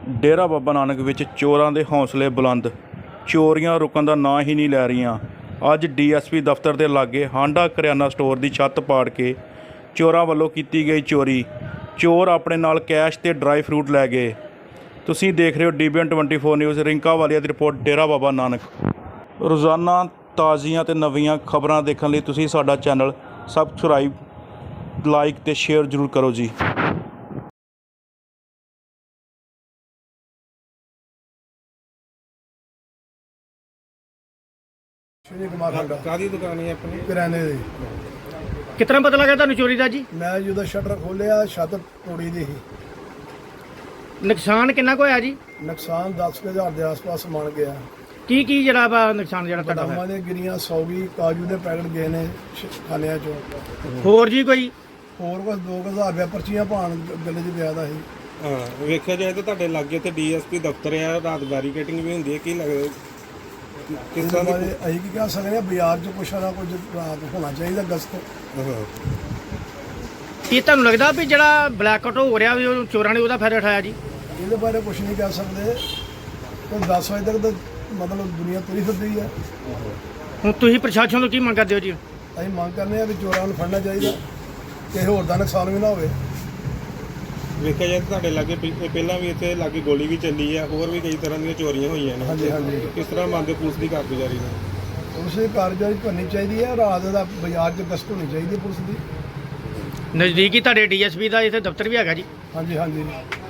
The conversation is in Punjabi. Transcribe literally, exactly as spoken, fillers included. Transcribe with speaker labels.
Speaker 1: ਡੇਰਾ ਬਾਬਾ ਨਾਨਕ ਵਿੱਚ ਚੋਰਾਂ ਦੇ ਹੌਸਲੇ ਬੁਲੰਦ। ਚੋਰੀਆਂ ਰੁਕਣ ਦਾ ਨਾਂ ਹੀ ਨਹੀਂ ਲੈ ਰਹੀਆਂ। ਅੱਜ ਡੀ ਐਸ ਪੀ ਦਫ਼ਤਰ ਦੇ ਲਾਗੇ ਹਾਂਡਾ ਕਰਿਆਨਾ ਸਟੋਰ ਦੀ ਛੱਤ ਪਾੜ ਕੇ ਚੋਰਾਂ ਵੱਲੋਂ ਕੀਤੀ ਗਈ ਚੋਰੀ। ਚੋਰ ਆਪਣੇ ਨਾਲ ਕੈਸ਼ ਤੇ ਡਰਾਈ ਫਰੂਟ ਲੈ ਗਏ। ਤੁਸੀਂ ਦੇਖ ਰਹੇ ਹੋ D B N twenty four news. Rinka Walia ਦੀ ਰਿਪੋਰਟ, ਡੇਰਾ ਬਾਬਾ ਨਾਨਕ। ਰੋਜ਼ਾਨਾ ਤਾਜ਼ੀਆਂ ਤੇ ਨਵੀਆਂ ਖਬਰਾਂ ਦੇਖਣ ਲਈ ਤੁਸੀਂ ਸਾਡਾ ਚੈਨਲ ਸਬਸਕ੍ਰਾਈਬ, ਲਾਈਕ ਤੇ ਸ਼ੇਅਰ ਜ਼ਰੂਰ ਕਰੋ ਜੀ।
Speaker 2: ਕਾਹਦੀ ਦੁਕਾਨ ਹੈ ਆਪਣੀ?
Speaker 3: ਕਿਰਾਣੇ ਦੀ।
Speaker 4: ਕਿਤਨਾ ਪਤਾ ਲੱਗਾ ਤੁਹਾਨੂੰ ਚੋਰੀ ਦਾ ਜੀ?
Speaker 3: ਮੈਂ ਜਦੋਂ ਸ਼ਟਰ ਖੋਲਿਆ ਛੱਤ ਤੋੜੀ ਦੀ ਸੀ।
Speaker 4: ਨੁਕਸਾਨ ਕਿੰਨਾ ਕੁ ਹੋਇਆ ਜੀ?
Speaker 3: ਨੁਕਸਾਨ ਦਸ ਕੁ ਹਜ਼ਾਰ ਦੇ ਆਸ-ਪਾਸ ਬਣ ਗਿਆ।
Speaker 4: ਕੀ ਕੀ ਜਿਹੜਾ ਵਾ ਨੁਕਸਾਨ ਜਿਹੜਾ ਤੁਹਾਡਾ
Speaker 3: ਬਦਾਮਾਂ
Speaker 4: ਹੋਇਆ?
Speaker 3: ਦੀਆਂ ਗਿਰੀਆਂ, ਸੌਗੀ, ਕਾਜੂ ਦੇ ਪੈਕਟ ਗਏ ਨੇ ਖਾਲਿਆਂ ਚੋਂ।
Speaker 4: ਹੋਰ ਜੀ ਕੋਈ?
Speaker 3: ਹੋਰ ਕੁਝ ਦੋ ਕੁ ਹਜ਼ਾਰ ਰੁਪਇਆ ਪਰਚੀਆਂ ਭਾਣ ਗੱਲੇ 'ਚ ਪਿਆ ਦਾ ਸੀ।
Speaker 2: ਹਾਂ, ਵੇਖਿਆ ਜਾਏ ਤਾਂ ਤੁਹਾਡੇ ਲਾਗੇ ਤੇ ਡੀ ਐਸ ਪੀ ਦਫ਼ਤਰ ਆ, ਰਾਤ ਬੈਰੀਕੇਟਿੰਗ ਵੀ ਹੁੰਦੀ ਹੈ। ਕੀ ਲੱਗਦਾ ਕਿਸ ਤਰ੍ਹਾਂ ਦੀ?
Speaker 3: ਬਾਰੇ ਅਸੀਂ ਕੀ ਕਹਿ ਸਕਦੇ ਹਾਂ, ਬਾਜ਼ਾਰ 'ਚ ਕੁਛ ਨਾ ਕੁਝ ਰਾਤ ਹੋਣਾ ਚਾਹੀਦਾ ਗਸਤ।
Speaker 2: ਹਾਂ,
Speaker 4: ਕੀ ਤੁਹਾਨੂੰ ਲੱਗਦਾ ਵੀ ਜਿਹੜਾ ਬਲੈਕ ਆਊਟ ਹੋ ਰਿਹਾ ਵੀ ਉਹ ਚੋਰਾਂ ਨੇ ਉਹਦਾ ਫਾਇਦਾ ਉਠਾਇਆ ਜੀ?
Speaker 3: ਇਹਦੇ ਬਾਰੇ ਕੁਝ ਨਹੀਂ ਕਹਿ ਸਕਦੇ। ਕੋਈ ਦਸ ਵਜੇ ਤੱਕ ਤਾਂ ਮਤਲਬ ਦੁਨੀਆ ਤੁਰੀ ਫਿਰਦੀ ਹੈ।
Speaker 4: ਹੁਣ ਤੁਸੀਂ ਪ੍ਰਸ਼ਾਸਨ ਤੋਂ ਕੀ ਮੰਗ ਕਰਦੇ ਹੋ ਜੀ?
Speaker 3: ਅਸੀਂ ਮੰਗ ਕਰਨੇ ਆ ਵੀ ਚੋਰਾਂ ਨੂੰ ਫੜਨਾ ਚਾਹੀਦਾ, ਕਿਸੇ ਹੋਰ ਦਾ ਨੁਕਸਾਨ ਵੀ ਨਾ ਹੋਵੇ।
Speaker 2: ਵੇਖਿਆ ਜਾਏ ਤਾਂ ਤੁਹਾਡੇ ਲਾਗੇ ਪਿ- ਪਹਿਲਾਂ ਵੀ ਇੱਥੇ ਲਾਗੇ ਗੋਲੀ ਵੀ ਚੱਲੀ ਆ, ਹੋਰ ਵੀ ਕਈ ਤਰ੍ਹਾਂ ਦੀਆਂ ਚੋਰੀਆਂ ਹੋਈਆਂ ਨੇ।
Speaker 3: ਹਾਂਜੀ ਹਾਂਜੀ
Speaker 2: ਕਿਸ ਤਰ੍ਹਾਂ ਮੰਨਦੇ ਪੁਲਿਸ ਦੀ ਕਾਰਗੁਜ਼ਾਰੀ ਨੂੰ?
Speaker 3: ਪੁਲਿਸ ਦੀ ਕਾਰਜਕਾਰੀ ਕਰਨੀ ਚਾਹੀਦੀ ਹੈ। ਰਾਤ ਦਾ ਬਾਜ਼ਾਰ 'ਚ ਗਸ਼ਤ ਹੋਣੀ ਚਾਹੀਦੀ ਹੈ ਪੁਲਿਸ ਦੀ।
Speaker 4: ਨਜ਼ਦੀਕੀ ਤੁਹਾਡੇ ਡੀ ਐਸ ਪੀ ਦਾ ਇੱਥੇ ਦਫ਼ਤਰ ਵੀ ਹੈਗਾ ਜੀ?
Speaker 3: ਹਾਂਜੀ ਹਾਂਜੀ